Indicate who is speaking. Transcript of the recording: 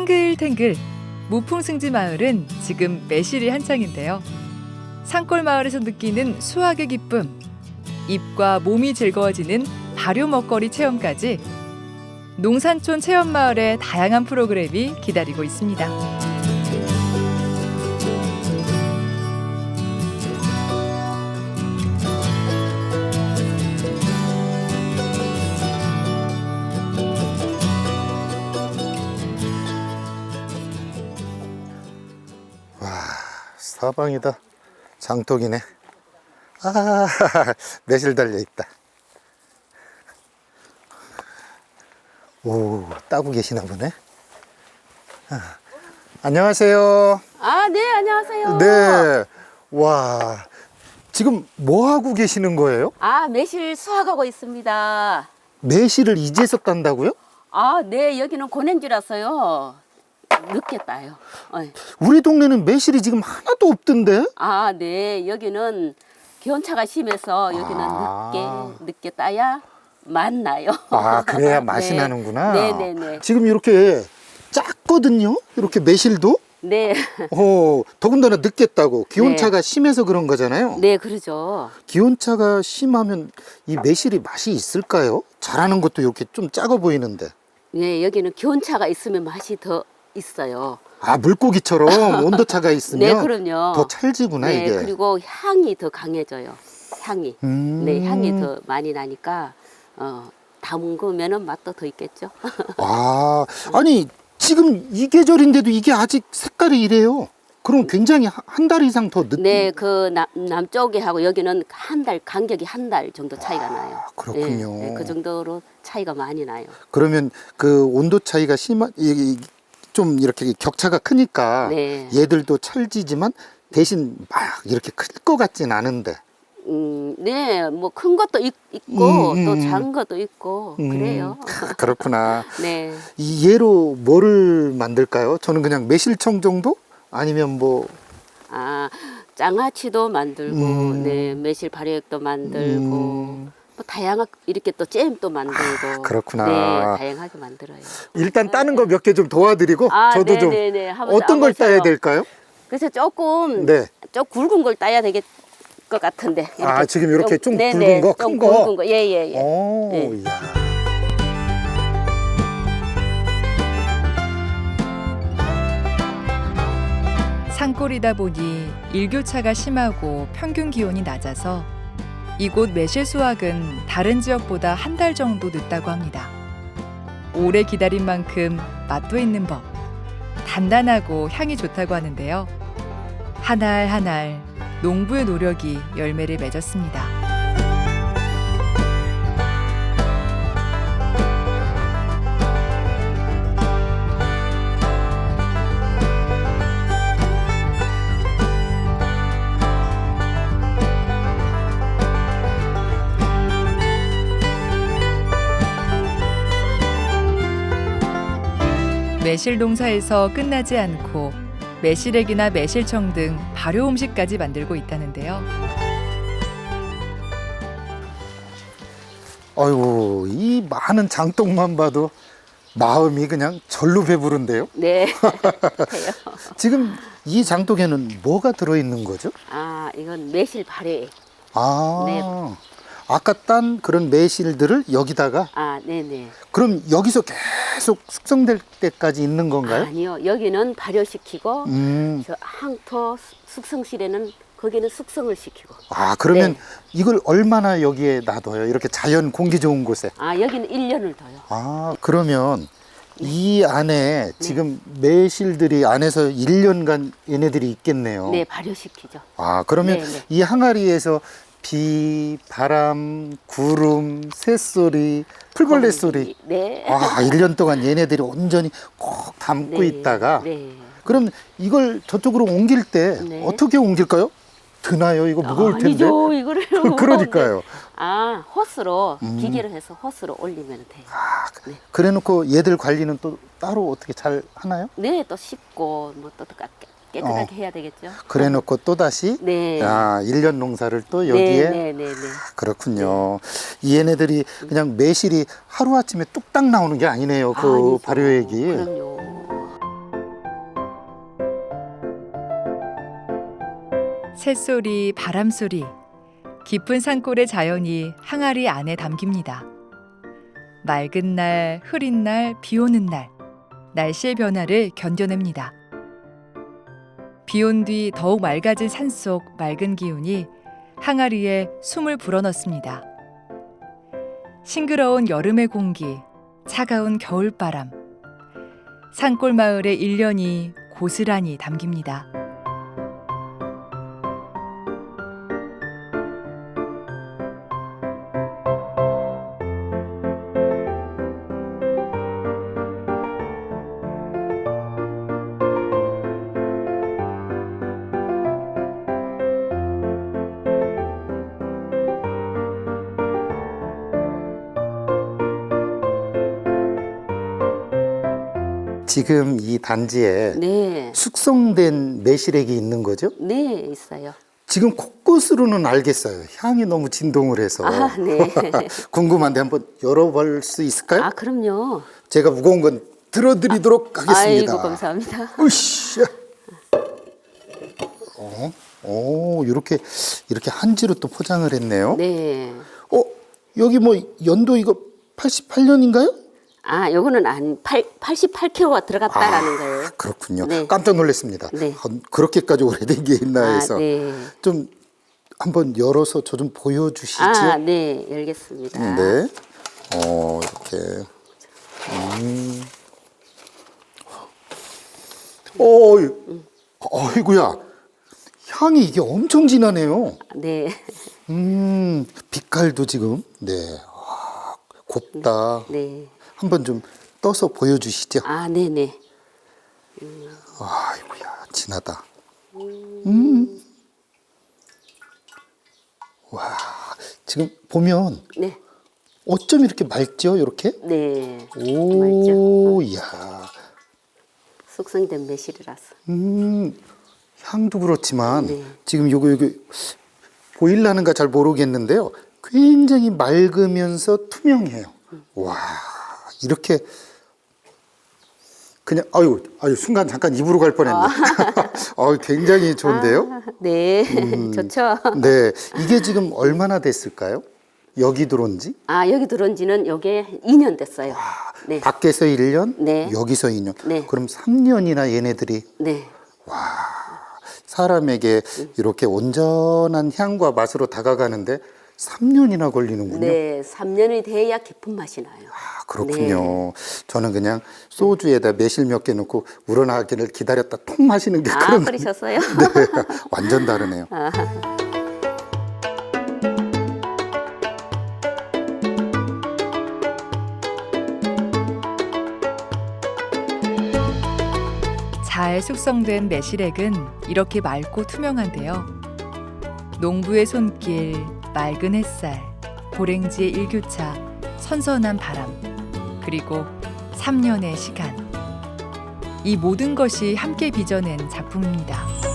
Speaker 1: 탱글탱글 무풍승지 마을은 지금 매실이 한창인데요. 산골 마을에서 느끼는 수확의 기쁨, 입과 몸이 즐거워지는 발효 먹거리 체험까지 농산촌 체험마을의 다양한 프로그램이 기다리고 있습니다.
Speaker 2: 사방이다. 장독이네. 아, 매실 달려있다. 오, 따고 계시나 보네. 아, 안녕하세요.
Speaker 3: 아, 네, 안녕하세요.
Speaker 2: 네. 와, 지금 뭐 하고 계시는 거예요?
Speaker 3: 아, 매실 수확하고 있습니다.
Speaker 2: 매실을 이제서 딴다고요?
Speaker 3: 아, 네, 여기는 고냉지라서요. 늦게 따요.
Speaker 2: 우리 동네는 매실이 지금 하나도 없던데?
Speaker 3: 아, 네, 여기는 기온차가 심해서 여기는 늦게 따야 맛나요.
Speaker 2: 아, 그래야 맛이
Speaker 3: 네.
Speaker 2: 나는구나.
Speaker 3: 네네네.
Speaker 2: 지금 이렇게 작거든요? 이렇게 매실도?
Speaker 3: 네.
Speaker 2: 더군다나 늦게 따고 기온차가 심해서 그런 거잖아요.
Speaker 3: 네, 그러죠.
Speaker 2: 기온차가 심하면 이 매실이 맛이 있을까요? 자라는 것도 이렇게 좀 작아 보이는데.
Speaker 3: 네, 여기는 기온차가 있으면 맛이 더 있어요.
Speaker 2: 아, 물고기처럼 온도차가 있으면
Speaker 3: 네, 그럼요.
Speaker 2: 더 찰지구나,
Speaker 3: 네,
Speaker 2: 이게.
Speaker 3: 그리고 향이 더 강해져요. 향이. 네, 향이 더 많이 나니까 담그면은 맛도 더 있겠죠.
Speaker 2: 아, 아니 지금 이 계절인데도 이게 아직 색깔이 이래요. 그럼 굉장히 한 달 이상 더 늦.
Speaker 3: 네, 그 남쪽에 하고 여기는 한 달, 간격이 한 달 정도 차이가 나요.
Speaker 2: 그렇군요.
Speaker 3: 네, 그 정도로 차이가 많이 나요.
Speaker 2: 그러면 그 온도 차이가 좀 이렇게 격차가 크니까
Speaker 3: 네.
Speaker 2: 얘들도 찰지지만 대신 막 이렇게 클 것 같진 않은데.
Speaker 3: 네, 뭐 큰 것도 있고 또 작은 것도 있고 그래요.
Speaker 2: 그렇구나.
Speaker 3: 네.
Speaker 2: 이 얘로 뭐를 만들까요? 저는 그냥 매실청 정도? 아니면 뭐
Speaker 3: 아, 장아찌도 만들고, 네, 매실 발효액도 만들고, 뭐 다양한 이렇게 또 잼도 만들고.
Speaker 2: 그렇구나.
Speaker 3: 네, 다양하게 만들어요.
Speaker 2: 일단 따는 거 몇 개 좀 도와드리고
Speaker 3: 아,
Speaker 2: 저도 좀
Speaker 3: 네네네. 한번
Speaker 2: 어떤 걸
Speaker 3: 따보세요.
Speaker 2: 따야 될까요?
Speaker 3: 그래서 조금
Speaker 2: 네.
Speaker 3: 좀 굵은 걸 따야 되겠 것 같은데.
Speaker 2: 아, 지금 이렇게 좀
Speaker 3: 네네,
Speaker 2: 굵은 거,
Speaker 3: 좀
Speaker 2: 큰 거?
Speaker 3: 굵은 거, 예예예.
Speaker 2: 오,
Speaker 3: 네.
Speaker 2: 이야.
Speaker 1: 산골이다 보니 일교차가 심하고 평균 기온이 낮아서 이곳 매실 수확은 다른 지역보다 한 달 정도 늦다고 합니다. 오래 기다린 만큼 맛도 있는 법, 단단하고 향이 좋다고 하는데요. 한 알 한 알 농부의 노력이 열매를 맺었습니다. 매실 농사에서 끝나지 않고 매실액이나 매실청 등 발효 음식까지 만들고 있다는데요.
Speaker 2: 아이고, 이 많은 장독만 봐도 마음이 그냥 절로 배부른데요.
Speaker 3: 네. 해요.
Speaker 2: 지금 이 장독에는 뭐가 들어있는 거죠?
Speaker 3: 아, 이건 매실 발효액.
Speaker 2: 아,
Speaker 3: 네.
Speaker 2: 아까 딴 그런 매실들을 여기다가
Speaker 3: 아, 네네.
Speaker 2: 그럼 여기서 계속 숙성될 때까지 있는 건가요?
Speaker 3: 아니요, 여기는 발효시키고
Speaker 2: 음.
Speaker 3: 저 항토 숙성실에는 거기는 숙성을 시키고.
Speaker 2: 아, 그러면
Speaker 3: 네.
Speaker 2: 이걸 얼마나 여기에 놔둬요? 이렇게 자연 공기 좋은 곳에.
Speaker 3: 아, 여기는 1년을 둬요.
Speaker 2: 아, 그러면 이 안에 지금 매실들이 안에서 1년간 얘네들이 있겠네요.
Speaker 3: 네, 발효시키죠.
Speaker 2: 아, 그러면
Speaker 3: 네, 네.
Speaker 2: 이 항아리에서 비, 바람, 구름, 새소리, 풀벌레 소리.
Speaker 3: 네.
Speaker 2: 아, 1년 동안 얘네들이 온전히 꼭 담고
Speaker 3: 네.
Speaker 2: 있다가
Speaker 3: 네.
Speaker 2: 그럼 이걸 저쪽으로 옮길 때
Speaker 3: 네.
Speaker 2: 어떻게 옮길까요? 드나요? 이거 무거울 텐데.
Speaker 3: 아니죠, 이거를.
Speaker 2: 그러니까요.
Speaker 3: 아, 호스로 기계를 해서 호스로 올리면 돼요.
Speaker 2: 아,
Speaker 3: 네.
Speaker 2: 그래 놓고 얘들 관리는 또 따로 어떻게 잘 하나요?
Speaker 3: 네, 또 씻고 뭐 또 깨끗하게 해야 되겠죠.
Speaker 2: 그래 놓고 또 다시
Speaker 3: 네.
Speaker 2: 아, 1년 농사를 또 여기에
Speaker 3: 네.
Speaker 2: 그렇군요. 이 얘네들이 그냥 매실이 하루아침에 뚝딱 나오는 게 아니네요. 그
Speaker 3: 아니죠.
Speaker 2: 발효액이.
Speaker 3: 그럼요.
Speaker 1: 새소리, 바람소리, 깊은 산골의 자연이 항아리 안에 담깁니다. 맑은 날, 흐린 날, 비 오는 날, 날씨의 변화를 견뎌냅니다. 비 온 뒤 더욱 맑아진 산속 맑은 기운이 항아리에 숨을 불어넣습니다. 싱그러운 여름의 공기, 차가운 겨울바람, 산골 마을의 일년이 고스란히 담깁니다.
Speaker 2: 지금 이 단지에
Speaker 3: 네.
Speaker 2: 숙성된 매실액이 있는 거죠?
Speaker 3: 네, 있어요.
Speaker 2: 지금 곳곳으로는 알겠어요. 향이 너무 진동을 해서.
Speaker 3: 아, 네.
Speaker 2: 궁금한데 한번 열어볼 수 있을까요?
Speaker 3: 아, 그럼요.
Speaker 2: 제가 무거운 건 들어드리도록 하겠습니다.
Speaker 3: 아이고, 감사합니다.
Speaker 2: 으쌰. 이렇게 한지로 또 포장을 했네요.
Speaker 3: 네.
Speaker 2: 여기 뭐 연도 이거 88년인가요?
Speaker 3: 아, 요거는 88kg가 들어갔다라는 거예요.
Speaker 2: 그렇군요.
Speaker 3: 네.
Speaker 2: 깜짝 놀랐습니다.
Speaker 3: 네.
Speaker 2: 그렇게까지 오래된 게 있나 해서.
Speaker 3: 네.
Speaker 2: 좀 한번 열어서 저 좀 보여주시죠.
Speaker 3: 아, 네, 열겠습니다.
Speaker 2: 네. 이렇게. 어이구야. 향이 이게 엄청 진하네요.
Speaker 3: 네.
Speaker 2: 빛깔도 지금. 네. 곱다.
Speaker 3: 네.
Speaker 2: 한번 좀 떠서 보여주시죠.
Speaker 3: 아, 네네.
Speaker 2: 아이고야, 진하다. 와, 지금 보면
Speaker 3: 네.
Speaker 2: 어쩜 이렇게 맑죠, 이렇게?
Speaker 3: 네.
Speaker 2: 오, 이야.
Speaker 3: 숙성된 매실이라서.
Speaker 2: 향도 그렇지만
Speaker 3: 네.
Speaker 2: 지금 요거 보일라는가 잘 모르겠는데요. 굉장히 맑으면서 투명해요. 와, 이렇게 그냥 아유 순간 잠깐 입으로 갈 뻔했네. 굉장히 좋은데요.
Speaker 3: 아, 네. 좋죠.
Speaker 2: 네, 이게 지금 얼마나 됐을까요? 여기 들어온 지?
Speaker 3: 아, 여기 들어온 지는 요게 2년 됐어요. 네.
Speaker 2: 밖에서 1년,
Speaker 3: 네.
Speaker 2: 여기서 2년.
Speaker 3: 네.
Speaker 2: 그럼 3년이나 얘네들이
Speaker 3: 네.
Speaker 2: 사람에게 이렇게 온전한 향과 맛으로 다가가는데 3년이나 걸리는군요.
Speaker 3: 네. 3년이 돼야 깊은 맛이 나요.
Speaker 2: 그렇군요. 저는 그냥 소주에다 매실 몇 개 넣고 우러나기를 기다렸다 통 마시는 게
Speaker 3: 아,
Speaker 2: 그런
Speaker 3: 그러셨어요?
Speaker 2: 네, 완전 다르네요.
Speaker 1: 잘 숙성된 매실액은 이렇게 맑고 투명한데요. 농부의 손길, 맑은 햇살, 고랭지의 일교차, 선선한 바람, 그리고 3년의 시간. 이 모든 것이 함께 빚어낸 작품입니다.